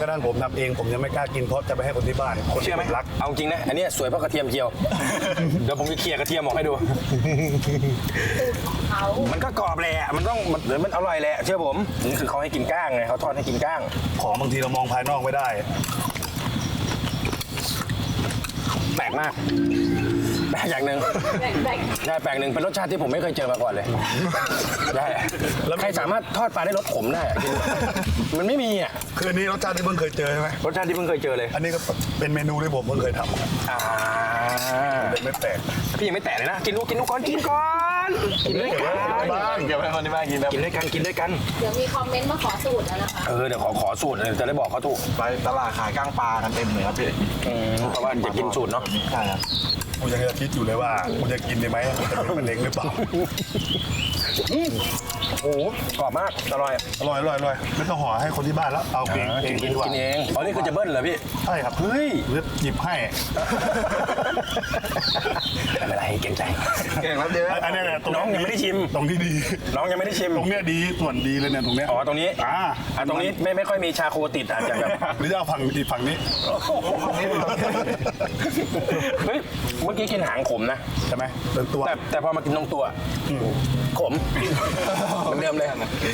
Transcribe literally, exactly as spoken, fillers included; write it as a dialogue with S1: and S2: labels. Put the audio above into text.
S1: ระทั่งผมทำเองผมยังไม่กล้ากินเพราะจะไปให้คนที่บ้านคน
S2: เชื่อไหม
S1: รัก
S2: เอาจริงนะอันนี้สวยเพราะกระเทียมเจียว เดี๋ยวผมจะเคลียร์กระเทียมออกให้ดู
S3: เขา
S2: มันก็กรอบแหละมันต้องมันเดี๋ยวมันอร่อยแหละเชื่อผมนี่คือเขาให้กินก้างไงเขาทอดให้กินก้าง
S1: ของบางทีเรามองภายนอกไม่ได้
S2: แปลกมากแปลกอย่างหนึ่ง
S3: แบ่งแบ่ง
S2: ใช่แปลกหนึ่งเป็นรสชาติที่ผมไม่เคยเจอมาก่อนเลยใช่แล้วใครสามารถทอดปลาได้รสขมได้อะกินมันไม่มีอ่ะ
S1: คืออันนี้รสชาติที่เพิ่งเคยเจอใช่ไหม
S2: รสชาติที่เพิ่งเคยเจอเลย
S1: อันนี้ก็เป็นเมนูที่ผมเพิ่งเคยทำ
S2: อ่า
S1: เป็นไม่แปลก
S2: พี่ยังไม่แตะเลยนะกินลูกกินลูกก่อนกินก่อนกินด้วยกัน
S1: บ้าน
S4: เก็บไว้คนที่บ้านกินนะ
S2: กินด้วยกันกินด้วยกัน
S3: เดี๋ยวมีคอมเมนต์มาขอสูตรแล้วนะคะ
S2: เออเดี๋ยวขอขอสูตรเลยจะได้บอกเขาถูก
S4: ไปตลาดขายก้างปลากันเต็มเลยครับพี่
S2: อืมเพราะว่าจะกินสูตรเนาะ
S4: ใช่ครับ
S1: ผมยังจะคิดอยู่เลยว่าผมจะกินได้ไหมจะเป็นมะเร็งหรือเปล่า
S2: โอ้โหกรอบมากอร่อย
S1: อร่อยอร่อยอร่อยไม่ต้องห่อให้คนที่บ้านแล้วเอาเองเอง
S2: กิน
S1: ดีกว่า
S2: กินเองอ๋อนี่คือจะเบิ้ลเหรอพี่
S1: ใช่ครับ
S2: เฮ้ย
S1: หรือหยิบให้
S2: ไม่เป็นไรเก่งใจ
S4: เก่งครับเดี๋ยว
S1: อันนี้แหละตรง
S2: น้องยังไม่ได้ชิม
S1: ตรงที่ดี
S2: น้องยังไม่ได้ชิม
S1: ตรงเนี้ยดีส่วนดีเลยเนี่ยตรงเนี้ย
S2: อ๋อตรงนี้
S1: อ่า
S2: อ่ะตรงนี้ไม่ไม่ค่อยมีชาโคติดอาจจะแบบ
S1: หรือจะเอาฝั่งอีกฝั่งนี้
S2: เฮ้ยเมื่อกี้กินหางขมนะ
S1: ใช่ไหมเป็นตัว
S2: แต่แต่พอมากินตรงตัวขมเหมือนเดิมเลย